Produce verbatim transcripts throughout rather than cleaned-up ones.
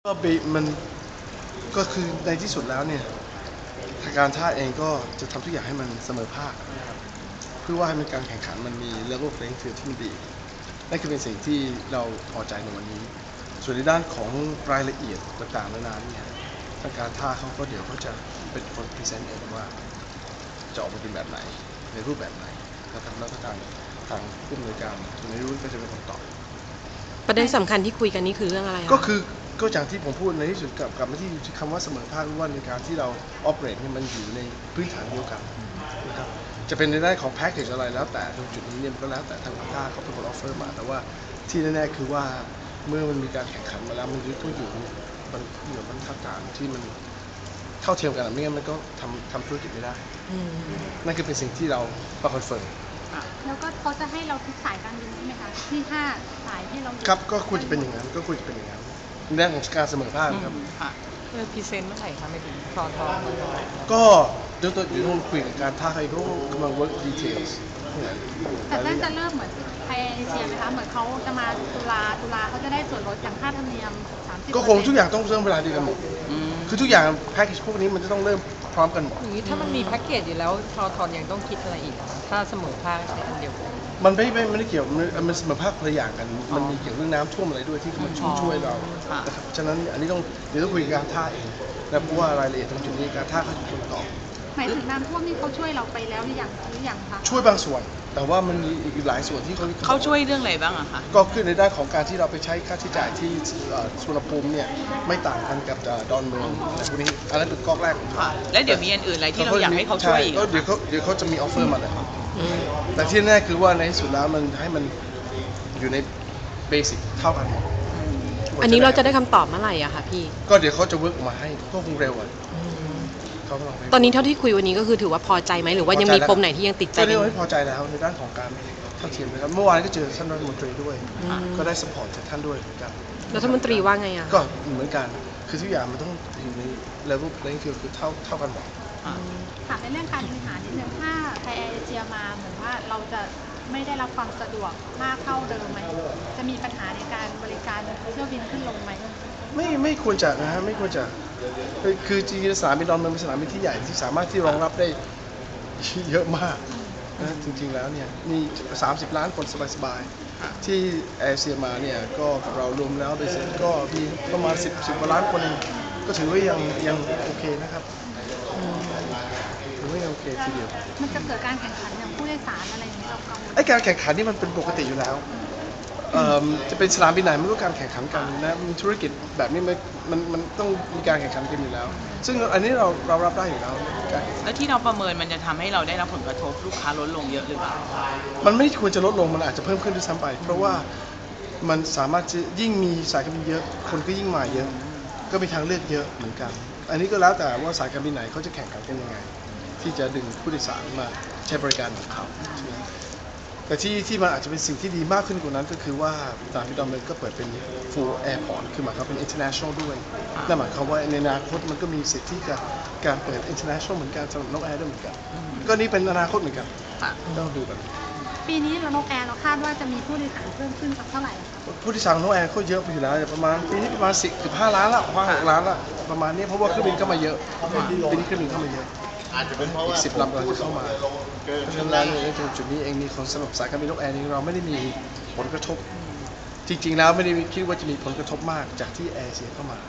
ก็บีมันก็คือในที่สุดแล้วเนี่ยทางการท่าเองก็จะทำทุกอย่างให้มันเสมอภาคนะครับเพื่อว่าให้มันการแข่งขันมันมี level playing field ที่มันดีนั่นคือเป็นสิ่งที่เราพอใจในวันนี้ ส่วนในด้านของรายละเอียดต่างๆนานาเนี่ยทางการท่าเขาก็เดี๋ยวเขาจะเป็นคนพรีเซนต์เองว่าจะออกมาเป็นแบบไหนในรูปแบบไหนนะครับแล้วก็ทางทางผู้อำนวยการคุณนายรุ่นก็จะเป็นคนตอบประเด็นสำคัญที่คุยกันนี่คือเรื่องอะไรคะก็คือก็อย่างที่ผมพูดในที่สุดกลับกลับมาที่คำว่าเสมอภาคว่าในการที่เรา operate เนี่ยมันอยู่ในพื้นฐานเดียวกันนะครับจะเป็นในด้านของ package อะไรแล้วแต่ตรงจุดนี้เนี่ยมันก็แล้วแต่ทางท่าเขาเป็นคน offer มาแต่ว่าที่แน่ๆคือว่าเมื่อมันมีการแข่งขันมาแล้วมันต้องอยู่มันอยู่บรรทัดฐานที่มันเท่าเทียมกันไม่งั้นมันก็ทำทำธุรกิจไม่ได้นั่นคือเป็นสิ่งที่เราประคอนเฟิร์มแล้วก็เขาจะให้เราทุกสายการบินใช่ไหมคะที่ห้าสายที่เราครับก็ควรจะเป็นอย่างนั้นก็ควรจะเป็นอย่างนั้นในด้านของการเสมอภาคครับเรื่องพรีเซนต์เมื่อไหร่คะไม่ถึงทอทอก็เดี๋ยวตัวอยู่คุยกับการท่าใครก็กำลัง work details แต่น่าจะเริ่มเหมือนไทยเอเชียไหมคะเหมือนเขาจะมาตุลาตุลาเขาจะได้ส่วนลดอย่างค่าธรรมเนียมสามสิบก็คงทุกอย่างต้องเริ่มเวลาเดียวกันหมดคือทุกอย่างแพ็กเกจพวกนี้มันจะต้องเริ่มพร้อมกันหมดอย่างนี้ถ้ามันมีแพ็กเกจอยู่แล้วทอทอนยังต้องคิดอะไรอีกถ้าเสมอภาคในอันเดียวกันมันไม่ไม่ไม่ได้เกี่ยวมันเสมอภาคคนละอย่างกันมันมีเกี่ยวเรื่องน้ำท่วมอะไรด้วยที่มันช่วยช่วยเรานะครับฉะนั้นอันนี้ต้องเดี๋ยวต้องคุยกับการท่าเองนะเพราะว่ารายละเอียดตรงจุดนี้การท่าเขาจะเป็นคนตอบหมายถึงน้ำท่วมนี่เขาช่วยเราไปแล้วหรือยังหรือยังคะช่วยบางส่วนแต่ว่ามันมีอีกหลายส่วนที่เขาเขาช่วยเรื่องอะไรบ้างอะคะก็คือในด้านของการที่เราไปใช้ค่าใช้จ่ายที่สุวรรณภูมิเนี่ยไม่ต่างกันกับดอนเมืองอะไรพวกนี้อันนั้นเป็นก๊อกแรกแล้วเดี๋ยวมีอันอื่นอะไรที่เราอยากให้เขาช่วยอีกก็เดี๋ยวเขาเดี๋ยวเขาจะมีออฟเฟอร์มาเลยแต่ที่แน่คือว่าในที่สุดแล้วมันให้มันอยู่ในเบสิกเท่ากันหมดอันนี้เราจะได้คำตอบเมื่อไหร่อะคะพี่ก็เดี๋ยวเขาจะเวิร์กมาให้ก็คงเร็วอ่ะตอนนี้เท่าที่คุยวันนี้ก็คือถือว่าพอใจไหมหรือว่ายังมีปมไหนที่ยังติดใจก็เรียกว่าพอใจแล้วในด้านของการเท่าเทียมนะครับเมื่อวานก็เจอท่านรัฐมนตรีด้วยก็ได้สปอร์ตจากท่านด้วยเหมือนกันรัฐมนตรีว่าไงอะก็เหมือนกันคือทุกอย่างมันต้องอยู่ใน level playing field คือเท่าเท่ากันหมดถามในเรื่องการบริหารนิดนึงถ้าไทยแอร์เอเชียมาเหมือนว่าเราจะไม่ได้รับความสะดวกมากเท่าเดิมไหมจะมีปัญหาในการบริการเที่ยวบินขึ้นลงไหมไม่ไม่ควรจะนะฮะไม่ควรจะคือจริงๆสนามบินดอนเมืองเป็นสนามบินที่ใหญ่ที่สามารถที่รองรับได้เยอะมากนะจริงๆแล้วเนี่ยมีสามสิบล้านคนสบายๆที่แอร์เอเชียมาเนี่ยก็กับเรารวมแล้วโดยเสร็จก็มีประมาณสิบสิบกว่าล้านคนก็ถือว่ายังยังโอเคนะครับถือว่ายังโอเคทีเดียวมันจะเกิดการแข่งขันอย่างผู้โดยสารอะไรอย่างนี้เรากังวลไอ้การแข่งขันนี่มันเป็นปกติอยู่แล้วจะเป็นสนามบินไหนมันก็การแข่งขันกันนะมันธุรกิจแบบนี้มันมันมันต้องมีการแข่งขันกันอยู่แล้วซึ่งอันนี้เราเรารับได้อยู่แล้วแล้วที่เราประเมินมันจะทำให้เราได้รับผลกระทบลูกค้าลดลงเยอะหรือเปล่ามันไม่ควรจะลดลงมันอาจจะเพิ่มขึ้นด้วยซ้ำไปเพราะว่ามันสามารถจะยิ่งมีสายการบินเยอะคนก็ยิ่งมาเยอะก็มีทางเลือกเยอะเหมือนกันอันนี้ก็แล้วแต่ว่าสายการบินไหนเขาจะแข่งขันกันยังไงที่จะดึงผู้โดยสารมาใช้บริการของเขาแต่ที่ที่มันอาจจะเป็นสิ่งที่ดีมากขึ้นกว่านั้นก็คือว่าสนามบินดอนเมืองก็เปิดเป็น full airport คือหมายความเป็น international ด้วยนั่นหมายความว่าในอนาคตมันก็มีสิทธิ์ที่จะการเปิด international เหมือนกันสำหรับนกแอร์ด้วยเหมือนกันก็นี่เป็นอนาคตเหมือนกันต้องดูกันปีนี้เรานกแอร์เราคาดว่าจะมีผู้โดยสารเพิ่มขึ้นสักเท่าไหร่ผู้โดยสารนกแอร์เขาเยอะไปอยู่แล้วประมาณปีนี้ประมาณสิบสิบห้าล้านละห้าหกล้านละประมาณนี้เพราะว่าเครื่องบินเข้ามาเยอะปีนี้เครื่องบินเข้ามาเยอะอาจจะเป็นเพราะว่าอีกสิบลำเราจะเข้ามาเพราะฉะนั้นในจุดนี้เองมีคนสำหรับสายการบินนกแอร์นี้เราไม่ได้มีผลกระทบจริงๆแล้วไม่ได้คิดว่าจะมีผลกระทบมากจากที่แอร์เสียเข้ามา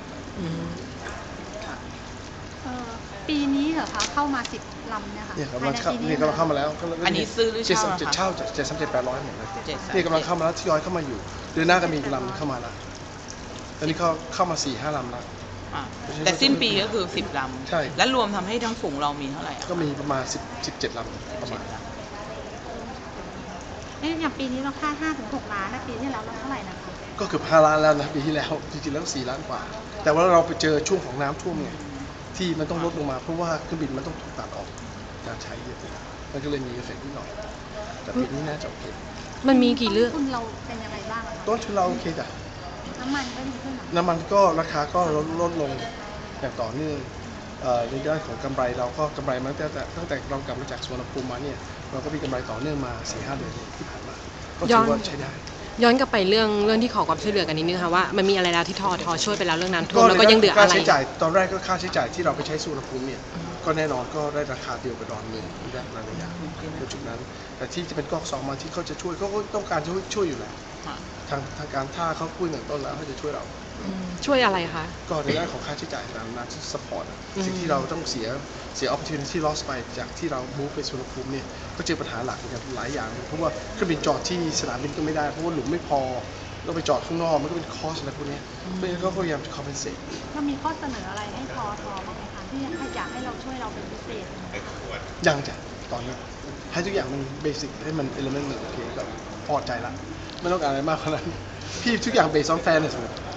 ปีนี้เหรอคะเข้ามาสิบลำเนี่ยค่ะเนี่ยกำลังเข้าเนี่ยกำลังเข้ามาแล้วอันนี้ซื้อหรือเช่าเจ็ดเช่าเจ็ดสามเจ็ดแปดร้อยเหมือนกันนี่กำลังเข้ามาแล้วทยอยเข้ามาอยู่เดือนหน้าก็มีลำเข้ามาแล้วตอนนี้เขาเข้ามาสี่ห้าลำแล้วแต่สิ้นปีก็คือสิบลำใช่แล้วรวมทำให้ทั้งฝูงเรามีเท่าไหร่ก็มีประมาณสิบสิบเจ็ดลำประมาณเอ๊ะอย่างปีนี้เราค่าห้าถึงหกล้านนะปีที่แล้วเราเท่าไหร่นะคะก็เกือบห้าล้านแล้วนะปีที่แล้วจริงๆแล้วสี่ล้านกว่าแต่ว่าเราไปเจอช่วงของน้ำท่วมไงที่มันต้องลดลงมาเพราะว่าเครื่องบินมันต้องถูกตัดออกการใช้เยอะมันก็เลยมีเอฟเฟกต์นิดหน่อยแต่ปีนี้น่าจะโอเคมันมีกี่เรื่องต้นทุนเราเป็นยังไงบ้างต้นทุนเราโอเคจ้ะน้ำมันก็ดีขึ้นน้ำมันก็ราคาก็ลดลดลงอย่างต่อเนื่องในด้านของกำไรเราก็กำไรมาตั้งแต่ตั้งแต่เรากลับมาจากสุวรรณภูมิมาเนี่ยเราก็มีกำไรต่อเนื่องมาสี่ห้าเดือนที่ผ่านมาก็ถือว่าใช้ได้ย้อนกลับไปเรื่องเรื่องที่ขอความช่วยเหลือกันนิดนึงค่ะว่ามันมีอะไรแล้วที่ทอทอช่วยไปแล้วเรื่องน้ำท่วมแล้วก็ยังเหลือค่าอะไรใช้จ่ายตอนแรกก็ค่าใช้จ่ายที่เราไปใช้สุวรรณภูมิเนี่ยก็แน่นอนก็ได้ราคาเดียวกับดอนเมืองได้หลายอย่างในจุดนั้นแต่ที่จะเป็นก๊อกสองมาที่เขาจะช่วยเขาก็ต้องการช่วยช่วยอยู่แล้วทางทางการท่าเขาพูดอย่างต้นแล้วเขาจะช่วยเราช่วยอะไรคะก็ในด้านของค่าใช้จ่ายตามนั้นสปอร์ตสิ่งที่เราต้องเสียเสีย opportunity loss ไปจากที่เรา move ไปสุวรรณภูมิเนี่ยก็เจอปัญหาหลักเหมือนกันหลายอย่างเพราะว่าเครื่องบินจอดที่สนามบินก็ไม่ได้เพราะว่าหลุมไม่พอเราไปจอดข้างนอกมันก็เป็นคอสอะไรพวกนี้เพราะฉะนั้นเขาก็พยายามจะ compensate เรามีข้อเสนออะไรให้ทอทอบ้างไหมคะที่อยากให้เราช่วยเราเป็นพิเศษยังจะตอนนี้ให้ทุกอย่างมันเบสิกให้มัน element มันโอเคก็พอใจละไม่ต้องการอะไรมากขนาดนั้นพี่ทุกอย่าง based on fairness หมด